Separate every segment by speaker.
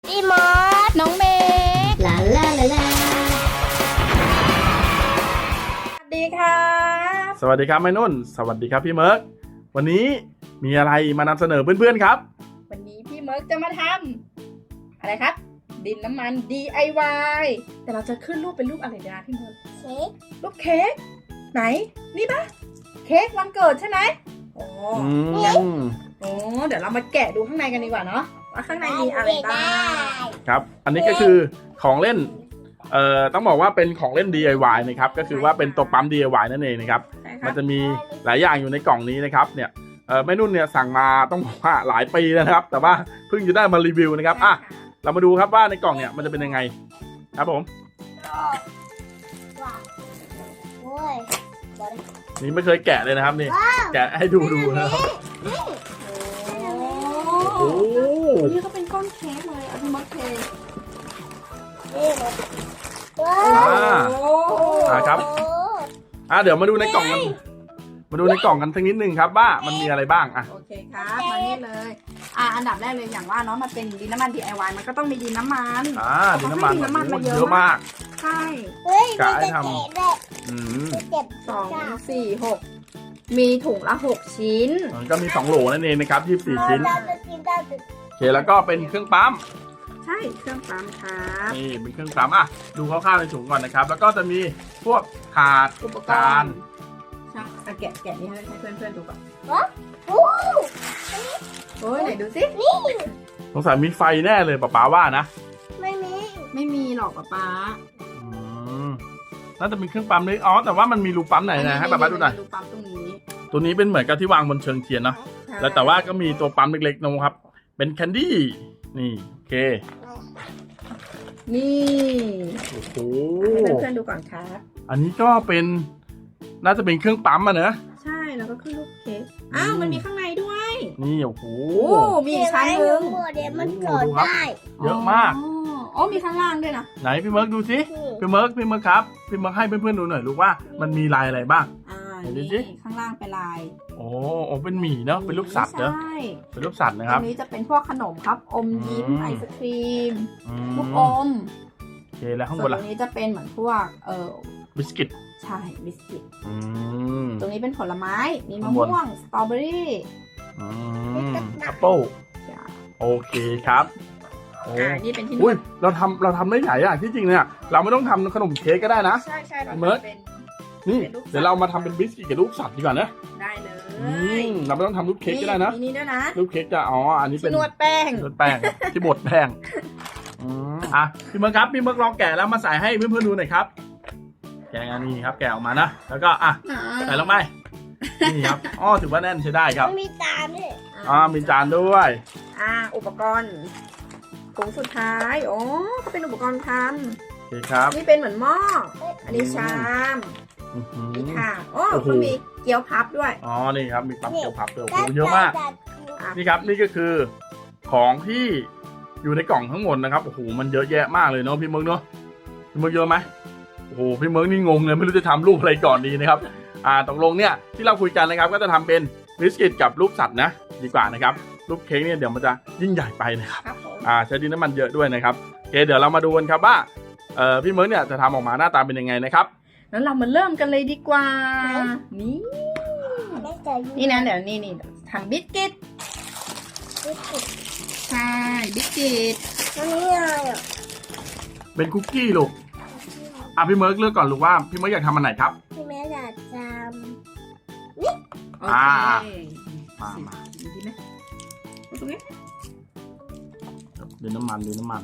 Speaker 1: พี่มอส
Speaker 2: น้องเมย์
Speaker 1: ลาลาลาลา
Speaker 2: สวัสดีค่ะ
Speaker 3: สวัสดีครับแม่นุ่นสวัสดีครับพี่เมิร์กวันนี้มีอะไรมานำเสนอเพื่อนๆครับ
Speaker 2: วันนี้พี่เมิร์กจะมาทำอะไรครับ ดินน้ำมัน DIY แต่เราจะขึ้นรูปเป็นรูปอะไรดีนะพี่เมิร์ก
Speaker 1: เค้ก
Speaker 2: รูปเค้กไหนนี่ปะเค้กวันเกิดใช่ไหมโอ้ โอ้เดี๋ยวเรามาแกะดูข้างในกันดีกว่าเนาะว่าข้างในมีอะไรบ้าง
Speaker 3: ครับอันนี้ก็คือของเล่นต้องบอกว่าเป็นของเล่น DIY นะครับก็คือว่าเป็นตัวปั๊ม DIY นั่นเองนะครับ
Speaker 2: ใช่ค
Speaker 3: มั
Speaker 2: รั
Speaker 3: น
Speaker 2: บ
Speaker 3: จะมีหลายอย่างอยู่ในกล่องนี้นะครับเนี่ยแม่นุ่นเนี่ยสั่งมาต้องบอกว่าหลายปีแล้วนะครับแต่ว่าเพิ่งจะได้มารีวิวนะครับอ่ะเรามาดูครับว่าในกล่องเนี่ยมันจะเป็นยังไงครับผม
Speaker 1: ว้าวโอ้ย
Speaker 3: นี่ไม่เคยแกะเลยนะครับนี่แกะให้ดูนะครับ
Speaker 2: โอ้
Speaker 3: โอ้
Speaker 2: นี่ก็เป็นก้อนเค้กเลยเอาพี่เมิร์กเท
Speaker 1: นี่เลยว้า
Speaker 3: ครับเดี๋ยวมาดูในกล่องกันมาดูในกล่องกันสักนิดนึงครับว่ามันมีอะไรบ้างอ่ะ
Speaker 2: โอเคครับมานี่เลยอันดับแรกเลยอย่างว่าเนาะมันเป็นดินน้ำมัน DIY มันก็ต้องมีดินน้ำมัน
Speaker 3: ดินน้ำมัน
Speaker 2: ดินน้ำมันมาเย
Speaker 3: เย
Speaker 2: อะ
Speaker 3: อะมาก
Speaker 2: ใช่
Speaker 1: เฮ้ย
Speaker 3: กะ
Speaker 1: มี
Speaker 3: ให้
Speaker 1: จะ
Speaker 3: ทำ
Speaker 1: เจ็บด้วย
Speaker 3: อืม
Speaker 1: เจ็บ
Speaker 2: 2 4 6มีถุงละ6ชิ้น
Speaker 3: มันก็มี2โหลนั่นเองนะครับ24ชิ้น
Speaker 1: เราจะกินได้ถึง
Speaker 3: โอเคแล้วก็เป็นเครื่องปั๊ม
Speaker 2: ใช่เครื่องปั๊มครับ
Speaker 3: นี่เป็นเครื่องปั๊มอ่ะดูคร่าวๆในถุงก่อนนะครับ แล้วก็จะมีพวกถาด
Speaker 2: อุปก
Speaker 3: จาร น
Speaker 2: ณ์ใช่แกะนี่ให้เพื่อนๆดูก่อน
Speaker 1: โอ้
Speaker 2: โอ้ยไหนดูสิ
Speaker 3: สงสัยมีไฟแน่เลยป๊าว่านะ
Speaker 1: ไม่มี
Speaker 2: ไม่มีหรอกป๊า
Speaker 3: อืมน่าจะเป็นเครื่องปั๊มเลยอ๋อแต่ว่ามันมีรูปั๊มไหนนะให้ป๊าดูหน่อย
Speaker 2: ดูปั๊มตรงนี้
Speaker 3: ตัวนี้เป็นเหมือนกับที่วางบนเชิงเทียนเนาะ แล้วแต่ว่าก็มีตัวปั๊มเล็กๆนะครับ เป็นแคนดี้ นี่โอเค
Speaker 2: นี่
Speaker 3: โอ้โห
Speaker 2: ให้เพื่อนๆดูก่อนครับ
Speaker 3: อันนี้ก็เป็น น่าจะเป็นเครื่องปั๊มอะเนอะ
Speaker 2: ใช่แล้วก็ขึ้นรูปเค้กอ้าวมันมีข้างในด้วย
Speaker 3: นี่โอ้โห
Speaker 2: โอ้มีอีกชั้นหนึง
Speaker 1: เดี๋ยวมันกดได้
Speaker 3: เยอะมาก
Speaker 2: อ๋อมีข้างล่างด้วยนะ
Speaker 3: ไหนพี่เมิร์กดูสิ พี่เมิร์กครับ พี่เมิร์กให้เพื่อนๆดูหน่อยลูกว่ามันมีลายอะไรบ้าง
Speaker 2: อ่า
Speaker 3: ไหนดูสิ
Speaker 2: นี่ข้างล่างเป็นลาย
Speaker 3: โอ้เป็นหมี่เนาะ เป็นรูปสัตว์เนาะ
Speaker 2: ใช่
Speaker 3: เป็นรูปสัตว์นะค
Speaker 2: ต
Speaker 3: รั
Speaker 2: ร
Speaker 3: บ
Speaker 2: งนี้จะเป็นพวกขนมครับ อมยิ้ม
Speaker 3: อืม
Speaker 2: ไอศครีม
Speaker 3: อื
Speaker 2: ลูก
Speaker 3: ม
Speaker 2: อม
Speaker 3: โอเคแล้วข้าง
Speaker 2: ส่
Speaker 3: บ
Speaker 2: วน
Speaker 3: น
Speaker 2: ต
Speaker 3: ล่ะ
Speaker 2: รงนี้จะเป็นเหมือนพวก
Speaker 3: บิสกิต
Speaker 2: ใช่บิสกิต
Speaker 3: อืม
Speaker 2: ตรงนี้เป็นผลไม้ มีมะ
Speaker 3: ข้างบน
Speaker 2: ม่วง สตรอเบอรี่
Speaker 3: อืมแอปเปิล
Speaker 2: จ้ะ
Speaker 3: โอเคครับโอ้
Speaker 2: นี่เป็นที่น
Speaker 3: อุ้
Speaker 2: วย ด
Speaker 3: เราทำได้หลายอย่างที่จริงเนี่ยเราไม่ต้องทำขนมเค้กก็ได้นะ
Speaker 2: ใช่ใช่เรา
Speaker 3: เมิร์ก
Speaker 2: ทำเป็น
Speaker 3: นี่
Speaker 2: เป็นรูปสัตว์
Speaker 3: เดี๋ยวเรามาทำเป็นบิสกิตกับรูปสัตว์ดีกว่านะ
Speaker 2: ได้เลย
Speaker 3: เราไม่ต้องทำรูปเค้กก็ได้นะ
Speaker 2: มีนี่ด้วยนะ
Speaker 3: รูปเค้กจะอันนี้เป็
Speaker 2: ที่
Speaker 3: น
Speaker 2: นวดแป้ง
Speaker 3: นวดแป้ง ที่บดแป้งพี่เมิร์กครับพี่เมิร์กลองแกะแล้วมาใส่ให้เพื่อนๆดูหน่อยครับแกะอันนี้ครับแกะออกมานะแล้วก็ใส่ลงไปนี่ครับถือว่าแน่นใช้ได้ครับ
Speaker 1: มันมีตามด้วย
Speaker 3: มีจานด้วย
Speaker 2: อุปกรณ์ถุงสุดท้ายโอ้ก็เป็นอุปกรณ์ท
Speaker 3: โอเคครับ
Speaker 2: ำนี่เป็นเหมือนหม้ออันนี้ชาม
Speaker 3: อื้อหือ
Speaker 2: นี่ค่ะโอ้
Speaker 3: โอ้โห
Speaker 2: ก็มีเกี๊ยวพับด้วย
Speaker 3: นี่ครับมีปั๊มเกี๊ยวพับด้วยโอ้โหเยอะมาก
Speaker 2: อ่ะ
Speaker 3: นี่ครับนี่ก็คือของที่อยู่ในกล่องทั้งหมดนะครับโอ้โหมันเยอะแยะมากเลยเนาะพี่เมิร์กเนาะพี่เมิร์กเยอะไหมโอ้โหพี่เมิร์กนี่งงเลยไม่รู้จะทำรูปอะไรก่อนดีนะครับตกลงเนี่ยที่เราคุยกันนะครับก็จะทำเป็นบิสกิตกับรูปสัตว์นะดีกว่านะครับรูปเค้กเนี่ยเดี๋ยวมันจะยิ่งใหญ่ไปนะครับ
Speaker 2: ครับผม
Speaker 3: ใช้ดินน้ำมันเยอะด้วยนะครับโอเคเดี๋ยวเรามาดูกันครับว่าพี่เมิร์กเนี่ยจะทำออกมาหน้าตาเป็นยังไงนะครับ
Speaker 2: งั้นเรามาเริ่มกันเลยดีกว่า นี่
Speaker 1: ไม่เจอ
Speaker 2: นี่นะเดี๋ยวนี่ทำบิสกิตใช่บิสกิต
Speaker 1: อันนี้อะไรอ่ะ
Speaker 3: เป็นคุกกี้ลูกพี่เมิร์กเลือกก่อนลูกว่าพี่เมิร์กอยากทำอันไหนครับ
Speaker 1: พี่แม่อยากจ
Speaker 2: โอ
Speaker 3: อ่า
Speaker 2: เค
Speaker 3: มา
Speaker 2: ดีไหมตรงนี้
Speaker 3: ดินน้ำมัน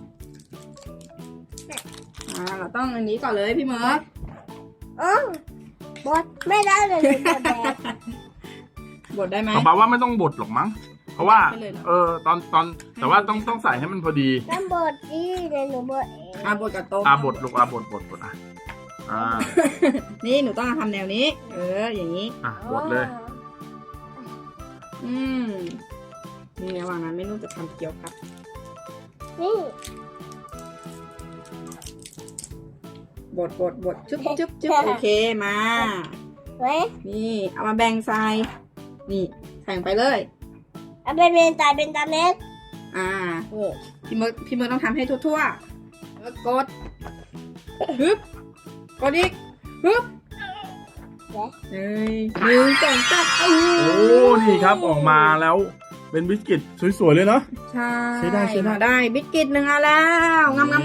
Speaker 2: เราต้องอันนี้ก่อนเลยพี่เมิร์ก
Speaker 1: ำบดไม่ได้เลยบดแบบ
Speaker 2: บดได้ไหม
Speaker 3: ป๊าว่าไม่ต้องบดหรอกมั้งเพราะว่า
Speaker 2: ไม่เลยเหรอ
Speaker 3: ตอนแต่ว่าต้องใส่ให้มันพอดี
Speaker 1: น้ำบดที่เดี๋ยวหนูบดเอง
Speaker 2: บดกับต้ม
Speaker 3: บดลูกบดอ่า
Speaker 2: นี่หนูต้องทำแนวนี้ อย่างนี้
Speaker 3: บดเลย
Speaker 2: นี่ระหว่างนั้นไม่รู้จะทำเกี๊ยวครับ
Speaker 1: นี่
Speaker 2: บดจุ๊บโอเคมา
Speaker 1: เว้ย
Speaker 2: นี่เอามาแบ่งใส่นี่ใส่ลงไปเลย
Speaker 1: เอาเป็นตาเล็ก
Speaker 2: นี่พี่เมิร์กต้องทำให้ทั่วๆแล้วกดฮึบกดอีกฮึบเฮ้ย1 2 3
Speaker 3: โอ้นี่ครับออกมาแล้วเป็นบิสกิตสวยๆเลยเนาะ
Speaker 2: ใช่
Speaker 3: ใช้ได้
Speaker 2: ได้บิสกิต1 อันแล้วงำ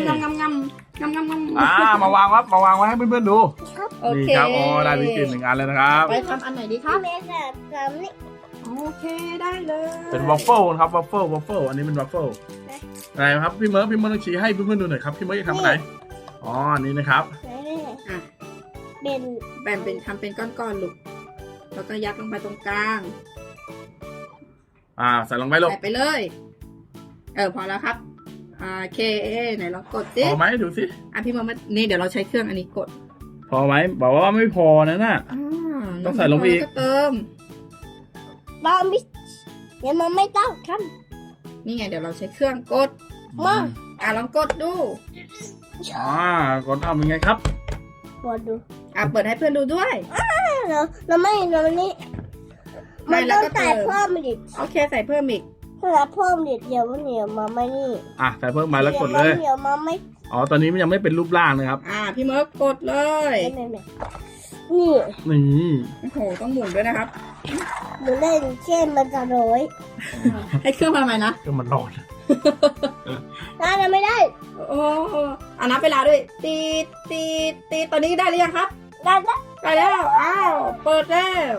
Speaker 3: มาวางครับมาวางไว้ให้เพื่อนๆดู
Speaker 2: โอ
Speaker 3: นี่
Speaker 2: เค
Speaker 3: ครับอ๋อได้บิสกิต1 อันแล้วนะครับ
Speaker 2: ไปทำอันไหนดีครับ
Speaker 1: แม่แบบนี้
Speaker 2: โอเคได้เลย
Speaker 3: เป็นวัฟเฟิลนะครับวัฟเฟิลอันนี้เป็นวัฟเฟิลไหนครับพี่เมิร์กต้องชี้ให้เพื่อนๆดูหน่อยครับพี่เมิร์กจะทำอันไหนอ๋ออันนี้นะครับ
Speaker 2: อ่ะ
Speaker 1: เป็น
Speaker 2: แบ่งเป็นทำเป็นก้อนๆลูกแล้วก็ยัดลงไปตรงกลาง
Speaker 3: ใส่ลงไปลูก
Speaker 2: ใส่ไปเลย พอแล้วครับโอเคไหนลองกดสิ
Speaker 3: พอไหมดูสิ
Speaker 2: พี่เมิร์กนี่เดี๋ยวเราใช้เครื่องอันนี้กด
Speaker 3: พอไหมบอกว่าไม่พอนะน่ะ ต้องใส่ลงไปอีก
Speaker 2: ก็เติม
Speaker 1: บอมิเดี๋ยวมันไม่ต้องท
Speaker 2: นี่ไงเดี๋ยวเราใช้เครื่องกด
Speaker 1: ำมา
Speaker 2: ลองกดดู
Speaker 3: ก่อนทำยังไงครับ
Speaker 1: บอดู
Speaker 2: เปิดให้เพื่อนดูด้วย
Speaker 1: เราไม่เรานี่มันต้องใส่เพิ่มดิ
Speaker 2: โอเคใส่เพิ่มอีก
Speaker 1: ถ้าเราเพิ่มดิเดี๋ยวมันเหนียวมาไม่นี่
Speaker 3: ใส่เพิ่มมาแล้วกดเลย
Speaker 1: เหนียวมาไม่
Speaker 3: อ๋อตอนนี้มันยังไม่เป็นรูปร่างนะครับ
Speaker 2: พี่เมิร์กกดเลย
Speaker 1: นี่
Speaker 3: นี่
Speaker 2: โอ้โหต้องหมุนด้วยนะครับ
Speaker 1: หนูเล่นเช่นมันจะโรย
Speaker 2: ให้เครื่องมาใหม่นะ
Speaker 3: ก็มันร้อน
Speaker 1: น่าจะไม่ได้
Speaker 2: โอ้นับเวลาด้วยตีตอนนี้ได้หรือยังครับ
Speaker 1: ได้แล้ว
Speaker 2: ได้แล้วเปิดแล้ว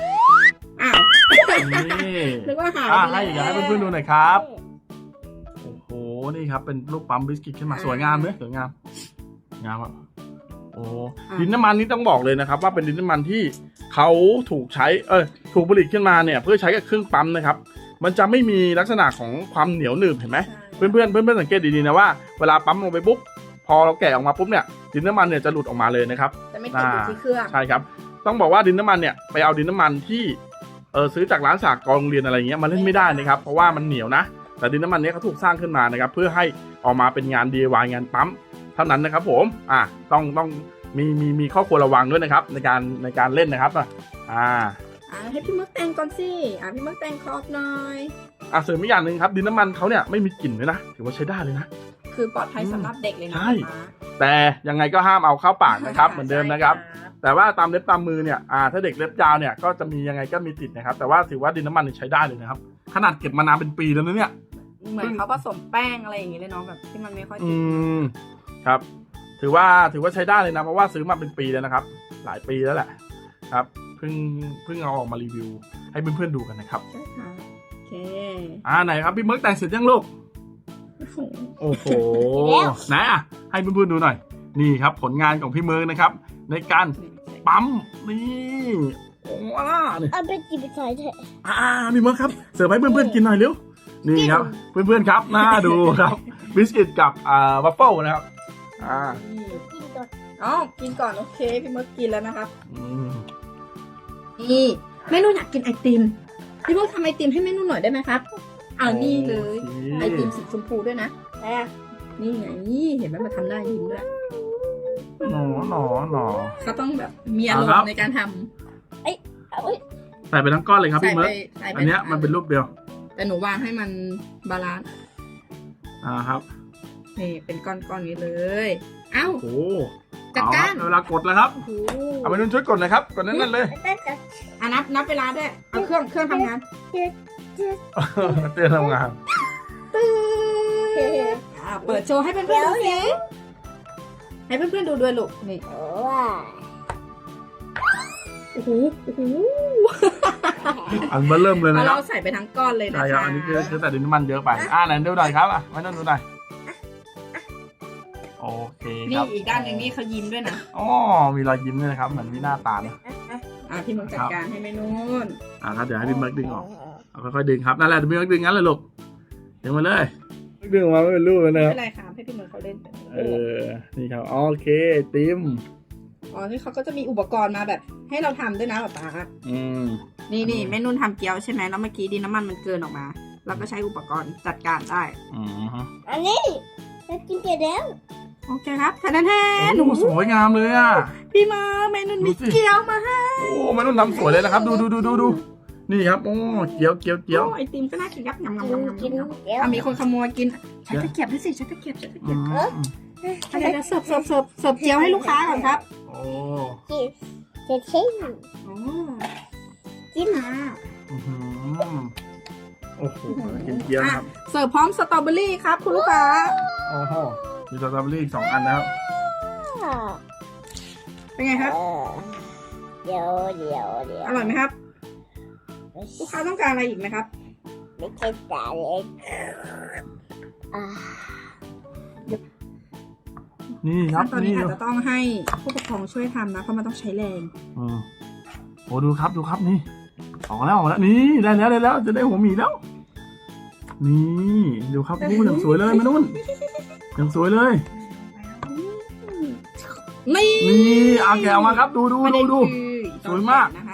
Speaker 3: นี่
Speaker 2: นึกว่าหาย
Speaker 3: ให้เพื่อนๆดูหน่อยครับโอ้โหนี่ครับเป็นรูปปั๊มบิสกิตขึ้นมาสวยงามเลยสวยงามอ่ะโอ้ดินน้ำมันนี้ต้องบอกเลยนะครับ ว่าเป็นดินน้ำมันที่เขาถูกใช้ถูกผลิตขึ้นมาเนี่ยเพื่อใช้กับเครื่องปั๊มนะครับมันจะไม่มีลักษณะของความเหนียวหนึบเห็นไหมเพื่อนสังเกตดีๆนะว่าเวลาปั๊มลงไปปุ๊บพอเราแกะออกมาปุ๊บเนี่ยดินน้ำมันเนี่ยจะหลุดออกมาเลยนะครับ
Speaker 2: จะไม่ติดอยู่ที่เครื่อง
Speaker 3: ใช่ครับต้องบอกว่าดินน้ำมันเนี่ยไปเอาดินน้ำมันที่ซื้อจากร้านสากลโรงเรียนอะไรเงี้ยมาเล่นไม่ได้นะครับเพราะว่ามันเหนียวนะแต่ดินน้ำมันนี้เขาถูกสร้างขึ้นมานะครับเพื่อให้ออกมาเป็นงาน DIY งานปั๊มเท่านั้นนะครับผมต้องมีข้อควรระวังด้วยนะครับในการเล่นนะครับ
Speaker 2: ให้พี่มึกแต่งก่อนสิพี่มึกแต่งครอบหน่อย
Speaker 3: เสริมอีกอย่างหนึ่งครับดินน้ำมันเขาเนี่ยไม่มีกลิ่นเลยนะถือว่าใช้ได้เลยนะ
Speaker 2: คือปลอดภัยสำหรับเด็กเลยนะ
Speaker 3: ใช่แต่ยังไงก็ห้ามเอาเข้าปากนะครับเหมือนเดิมนะครับแต่ว่าตามเล็บตามมือเนี่ยถ้าเด็กเล็บยาวเนี่ยก็จะมียังไงก็มีติดนะครับแต่ว่าถือว่าดินน้ำมันใช้ได้เลยนะครับขนาดเก็บมานานเป็นปีแล้วนะเนี่ย
Speaker 2: เหมือนเขาผสมแป้งอะไรอย่างงี้เลยเนาะแบบที่มันไม่ค่อยติด
Speaker 3: ครับถือว่าใช้ได้เลยนะเพราะว่าซื้อมาเป็นปีแล้วนะครับหลายปีแล้วแหละครับเพิ่งเอาออกมารีวิวให้เพื่อนๆดูกันนะครับ
Speaker 2: ใช่ค่ะโอเค
Speaker 3: ไหนครับพี่เมิร์กแต่งเสร็จยังลูกโอ้โหไหนให้เพื่อนๆดูหน่อยนี่ครับผลงานของพี่เมิร์กนะครับในการปั๊มนี่
Speaker 1: เอาไปจิบใส่เถอะ
Speaker 3: พี่เมิร์กครับเสิร์ฟให้เพื่อนๆกินหน่อยเร็วนี่ครับเพื่อนๆครับน่าดูครับบิสกิตกับวัฟเฟิลนะครับ
Speaker 1: กินก่อน
Speaker 2: กินก่อนโอเคพี่เมิร์กกินแล้วนะครับนี่แม่นุ่นอยากกินไอติมพี่เมิร์กทำไอติมให้แม่นุ่นหน่อยได้ไหมครับนี่เลยไอติมสีชมพูด้วยนะนี่ไงเห็นไหมมาทำได้ยิ้มด้วย
Speaker 3: หนอ
Speaker 2: เขาต้องแบบมีอารมณ์ในการทำ
Speaker 3: ใส่ไปทั้งก้อนเลยครับพี่เมิร์กอันนี้มันเป็นรูปเดียว
Speaker 2: แต่หนูวางให้มันบาลานซ์
Speaker 3: ครับ
Speaker 2: นี่เป็นก้อนๆนี้เลย
Speaker 3: โอ้
Speaker 2: จัดการ
Speaker 3: เวลากดแล้วครับเอาไปนุ่นช่วยกดหน่อยครับกดนั่นเลย
Speaker 2: นับเวลาด้วยเอาเครื่องทำงาน
Speaker 3: เตือนทำงาน
Speaker 2: เปิดโชว์ให้เพื่อนๆดูสิให้เพื่อนๆดูด้วยลูกนี่โอ้โห
Speaker 3: อันเบอร์เริ่มเลยนะ
Speaker 2: เราใส่ไปทั้งก้อนเลยนะคะ
Speaker 3: ใช่ครับอันนี้คือแต่ดินน้ำมันเยอะไปไหนดูหน่อยครับไม่ต้องดูหน่อยโอเค
Speaker 2: นี่อีกด้านหนึ่งนี่เขายิ้มด้วยนะ
Speaker 3: มีรอยยิ้มด้วยนะครับเหมือนมีหน้าตานะ
Speaker 2: พี่มึงจัดการให้แม่นุ่น
Speaker 3: ครับเดี๋ยวให้พี่เมิร์กดึงออกค่อยๆดึงครับนั่นแหละพี่เมิร์กดึงงั้นเลยลูกดึงมาเลยดึงออกมาไม่เป็นรูปเลยนะครับ
Speaker 2: ไม่เป็นไรครับให้พี่เมิร์กเขาเล่น
Speaker 3: นี่ครับโอเคติม
Speaker 2: ที่เขาก็จะมีอุปกรณ์มาแบบให้เราทำด้วยนะป๊านี่แม่นุ่นทำเกี๊ยวใช่ไหมแล้วเมื่อกี้ดินน้ำมันเกินออกมาเราก็ใช้อุปกรณ์จัดการได้
Speaker 1: อันนี้จะกินเกลือแล้ว
Speaker 2: โอเคครับแทน
Speaker 3: หนูสวยงามเลยพี่
Speaker 2: มาแม่นุ่นมีเกี๊ยวมาให้
Speaker 3: แม่นุ่นทำสวยเลยนะครับดูนี่ครับโอ้เกี๊ยวเกี๊ยวเกี๊ยว
Speaker 2: โอ้ไอติมก็น่ากินครับงำ
Speaker 1: กินเดี๋ยว
Speaker 2: มีคนขโมยกินใช้ตะเกียบด้วยสิใช้ตะเกียบใช้ตะเกียบ
Speaker 3: อืม
Speaker 2: เดี๋ยวเสิร์ฟเจียวให้ลูกค้าก่อนครับ
Speaker 3: โอ้
Speaker 1: กินจะชิม
Speaker 2: โอ้
Speaker 1: กิน
Speaker 3: อื้อหือโอ้โหกินเกี๊ยวนะครับ
Speaker 2: เสิร์ฟพร้อมสตรอเบอรี่ครับคุณลูกค้า
Speaker 3: โอ้โหมีสตรอเบอรี่อีก2 อันนะครับ
Speaker 2: เป็นไงครับ
Speaker 1: เดี๋ยว
Speaker 2: อร่อยไหมครับ ลูกค้าต้องการอะไรอีกไหมครับ
Speaker 1: ไม่ใช่สาเล็ก
Speaker 3: นี่ครับ
Speaker 2: ตอนนี้
Speaker 3: นี่
Speaker 2: อาจจะต้องให้ผู้ปกครองช่วยทำนะเพราะมันต้องใช้แรง
Speaker 3: โอ้ดูครับนี่ออกแล้วนี่ได้แล้วจะได้หัวหมีแล้ว นี่ดูครับโอ้อย่างสวยเลยมานุ่นอย่างสวยเลย
Speaker 2: นี่
Speaker 3: นี่เอาแกะออกมาครับดู
Speaker 2: ประเด็น
Speaker 3: ดู
Speaker 2: คือ
Speaker 3: สวยมาก
Speaker 2: นะครับ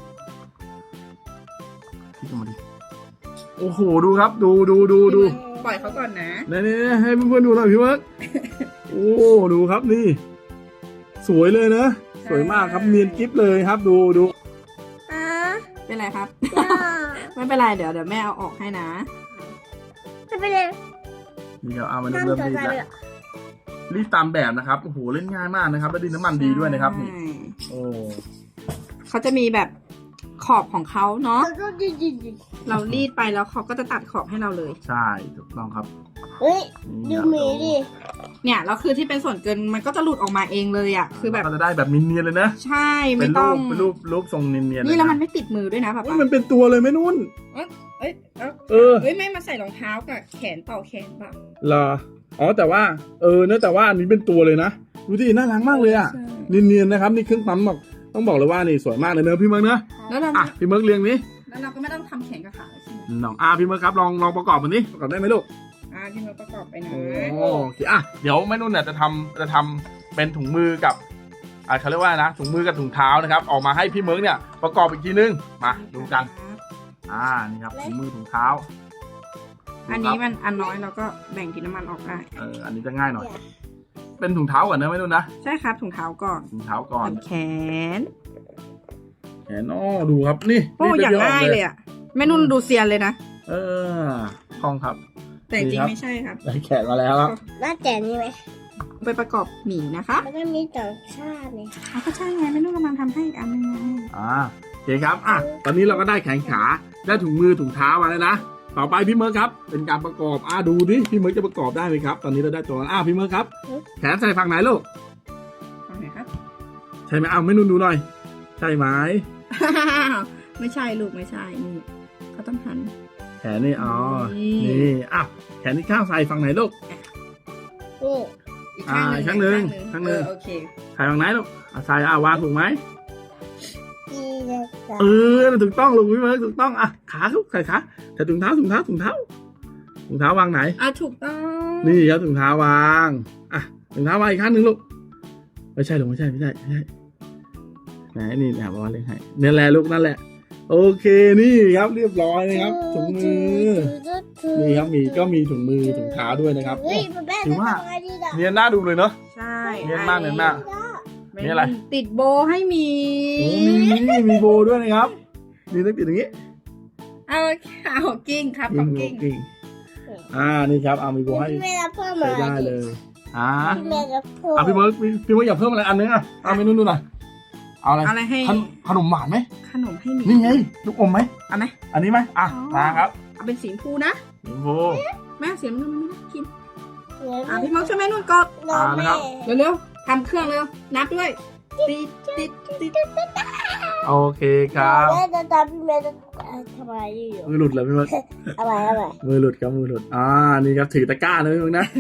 Speaker 3: คิดออกมาดิโอ้โหดูครับดู
Speaker 2: ปล่อยเขาก่อนนะ
Speaker 3: นี่ให้เพื่อนๆดูหน่อยพี่เวิร์กโอ้ดูครับนี่ สวยเลยนะสวยมากครับเนียนกิ๊บเลยครับดู
Speaker 2: เป็นไรครับ ไม่เป็นไรเดี๋ยวแม่เอาออกให้นะ
Speaker 1: ไม่เป็นไร
Speaker 3: นี่ครับเอามาเริ่ม
Speaker 1: น้ำ
Speaker 3: รีด
Speaker 1: ตัว
Speaker 3: แล้วรีดตามแบบนะครับโอ้โหเล่นง่ายมากนะครับแล้วดินน้ำมันดีด้วยนะครับนี่
Speaker 2: ใช่
Speaker 3: โอ้
Speaker 2: เขาจะมีแบบขอบของเขาเนาะ
Speaker 1: แล้วก็ดิ
Speaker 2: เรารีดไปแล้วเขาก็จะตัดขอบให้เราเลย
Speaker 3: ใช่ถูกต้องครับ
Speaker 1: เฮ้ย
Speaker 3: นี่
Speaker 1: ดู
Speaker 3: ครับ
Speaker 1: หมีดิ
Speaker 2: เนี่ยแล้วคือที่เป็นส่วนเกินมันก็จะหลุดออกมาเองเลยอ่ะคือแบบ
Speaker 3: ก็จะได้แบบเนียนๆเลยนะ
Speaker 2: ใช่
Speaker 3: เป็
Speaker 2: ไม่
Speaker 3: น
Speaker 2: ต้อง
Speaker 3: รูปทรงเนียนๆ
Speaker 2: นี่แล้ว
Speaker 3: ะ
Speaker 2: มันไม่ติดมือด้วยนะป๊า
Speaker 3: เฮ้ย
Speaker 2: ป๊า
Speaker 3: มันเป็นตัวเลยไหมนุ่น
Speaker 2: เอ้ยเอ้า
Speaker 3: เออ
Speaker 2: เฮ้ยไม่มาใส่รองเท้ากับแขนต่อแขนเปล่า
Speaker 3: เหรออ๋อแต่ว่าเนอะแต่ว่าอันนี้เป็นตัวเลยนะดูดิน่ารักมากเลยอ่ะ
Speaker 2: ใช่
Speaker 3: เนียนๆนะครับนี่เครื่องปั๊มต้องบอกเลยว่านี่สวยมากเลยเนอะพี่เมิร์กเนอะ
Speaker 2: แล้วเรา
Speaker 3: อ่ะพี่เมิร์กเรียงนี้
Speaker 2: แล้วเราก็ไม่ต้องทำแขนกับขาเลยใช่ไหม
Speaker 3: น้องพี่เมิร์กครับลองประกอบมันนี้ประกอบได้ไหมลูก
Speaker 2: ที่เราประกอบไปนะ
Speaker 3: โอเคเดี๋ยวแม่นุ่นเนี่ยจะทำเป็นถุงมือกับเขาเรียกว่านะถุงมือกับถุงเท้านะครับออกมาให้พี่เมิร์กเนี่ยประกอบอีกทีนึงมาดูกันนี่ครับถุงมือถุงเท้า
Speaker 2: อันนี้มันอันน้อยเราก็แบ่งกินน้ำมันออกได้
Speaker 3: อันนี้จะง่ายหน่อย เป็นถุงเท้าก่อนนะแม่นุ่นนะ
Speaker 2: ใช่ครับถุงเท้าก่อน
Speaker 3: ถุงเท้าก่อน
Speaker 2: แขน
Speaker 3: แขนดูครับนี่
Speaker 2: โอ้อย่างง่ายเลยอ่ะแม่นุ่นดูเซียนเลยนะ
Speaker 3: คล่องครับ
Speaker 2: แต่จ
Speaker 3: ดี
Speaker 2: ริง
Speaker 3: ครับ
Speaker 2: ไม่ใช่ครับ
Speaker 3: ได้แขนมาแล้วครับ
Speaker 1: น่าแต่นี่ไหม
Speaker 2: ไปประกอบหมีนะคะ
Speaker 1: แล้วก็มีต่างชาตินี่
Speaker 2: ก็ใช่ไงแม่นุ่นกำลังทำให้อีกอันนึงไง
Speaker 3: โอเคครับตอนนี้เราก็ได้แขนขาได้ถุงมือถุงเท้ามาแล้วนะต่อไปพี่เมิร์กครับเป็นการประกอบดูดิพี่เมิร์กจะประกอบได้ไหมครับ ตอนนี้เราได้ตัวพี่เมิร์กครับแขนใส่ฝั่งไหนลูก
Speaker 2: ฟังหน่อยครับ
Speaker 3: ใช่ไหมไม่นุ่นดูหน่อยใช่ไหม
Speaker 2: ไม่ใช่ลูกไม่ใช่นี่เขาต้องหัน
Speaker 3: แขนนี่นี่แขนที่ข้างใส่ฝั่งไหนลูก
Speaker 1: นี่
Speaker 2: อีกข้างหนึ่ง
Speaker 3: ข้างหนึ่ง
Speaker 2: ข้างหนึ่งโอเค
Speaker 3: ใส่ฝั่งไหนลูกใส่วางถูกไหม
Speaker 1: ดีเลย
Speaker 3: ถูกต้องลูกพี่เมิร์กถูกต้องขาลูกใส่ขาแต่ถุงเท้าวางไหน
Speaker 2: ถูกต้อง
Speaker 3: นี่ครับถุงเท้าวางถุงเท้าวางอีกข้างหนึ่งลูกไม่ใช่ลูกไม่ใช่ไหนนี่แบบว่าเลยให้นี่แหละลูกนั่นแหละโอเคนี่ครับเรียบร้อยนะครับถุงมือนี่ครับมีถุงมือถุงเท้าด้วยนะครับ
Speaker 1: เฮ้ยแม่
Speaker 3: ถือว่า
Speaker 1: ทำไงดีล่ะ
Speaker 3: เนียนน่าดูเลยเนาะ
Speaker 2: ใช่
Speaker 3: เนียนมาก
Speaker 2: นี่
Speaker 3: นี่อะไร
Speaker 2: ติดโบให้หมี
Speaker 3: โอ้มีโบด้วยนะครับนี่ต้องติดอย่างนี้
Speaker 2: เอากิ้งครับ
Speaker 3: กิ้งนี่ครับมีโบให้
Speaker 1: แม่รับเพิ่ม
Speaker 3: ใช้
Speaker 1: อะไร
Speaker 3: ได้เลย
Speaker 1: แม่รับเพิ่ม
Speaker 3: พี่เมิร์กอยากเพิ่มอะไรอันนึงเมนูดูหน่อยเอาอะไร
Speaker 2: อะไรให้
Speaker 3: ขนมหวานไหม
Speaker 2: ขนมให้หมี
Speaker 3: นี่ไงลูกอมไหม
Speaker 2: เอาไหม
Speaker 3: อันนี้ไหมมาครับ
Speaker 2: เอาเป็นสีชมพูนะ
Speaker 3: โบ
Speaker 2: แม่เสียงมันไม่น่ากิน
Speaker 1: เดี๋ยว
Speaker 2: พี่มองช่วยแม่นุ่นกด
Speaker 3: นะครับ
Speaker 2: เร็วๆทำเครื่องเร็วนับด้วยติด
Speaker 3: โอเคครับ
Speaker 1: แม่จะทำแม่จะทำอะไรอยู่
Speaker 3: มือหลุดเลยพี่เมิร์ก
Speaker 1: อะไร
Speaker 3: มือหลุดครับมือหลุดนี่ครับถือตะกร้านะพี่เมิร์กนะ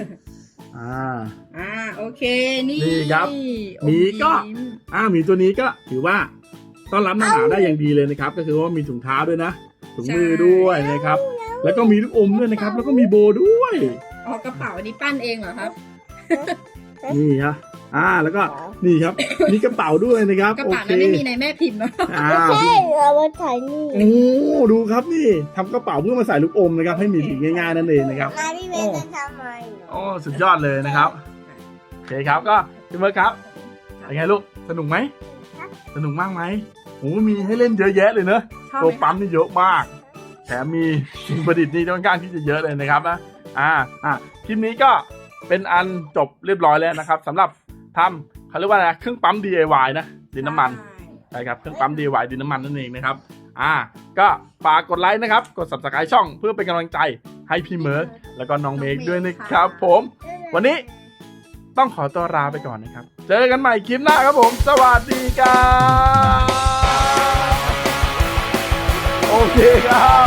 Speaker 2: โอเคนี่
Speaker 3: นี่ครับหมีก็ หมีตัวนี้ก็ถือว่าต้อนรับหน้าหนาวได้อย่างดีเลยนะครับ ก็คือว่ามีถุงเท้าด้วยนะถุงมือด้วยนะครับ แล้วก็มีลูกอมด้วยนะครับ แล้วก็มีโบด้วย
Speaker 2: กระเป๋าอันนี้ปั้นเองเหรอครับ
Speaker 3: นี่ครับแล้วก็นี่ครับมีกระเป๋าด้วยนะครับ
Speaker 2: กระเป๋านั้นไม่มีในแม่พิมพ์เนาะ
Speaker 1: ใช่เอามาถ่ายนี่
Speaker 3: โอ้ดูครับนี่ทำกระเป๋าเพื่อมาใส่ลูกอมนะครับ ให้มีถือง่ายๆนั่นเองนะครับ
Speaker 1: นายพี่เมย์จะทำอะไร
Speaker 3: โอ้สุดยอดเลยนะครับโอเคครับก็พี่เมิร์กครับเป็นไงลูกสนุกไหมสนุกมากไหมโอ้มีให้เล่นเยอะแยะเลยเนอะ
Speaker 2: ชอบ
Speaker 3: ตัว
Speaker 2: ไหม
Speaker 3: ปั๊มนี่เยอะมากแถมมีสิ่งประดิษฐ์นี่ค่อนข้างที่จะเยอะเลยนะครับนะคลิปนี้ก็เป็นอันจบเรียบร้อยแล้วนะครับสำหรับทำเขาเรียกว่าอะไรเครื่องปั๊ม DIY นะดินน้ำมันใช่ครับเครื่องปั๊ม DIY ดินน้ำมันนั่นเองนะครับก็ฝากกดไลค์นะครับกด Subscribe ช่องเพื่อเป็นกำลังใจให้พี่เมิร์กแล้วก็น้องเมกด้วยนะครับผมวันนี้ต้องขอตัวลาไปก่อนนะครับเจอกันใหม่คลิปหน้าครับผมสวัสดีครับโอเคครับ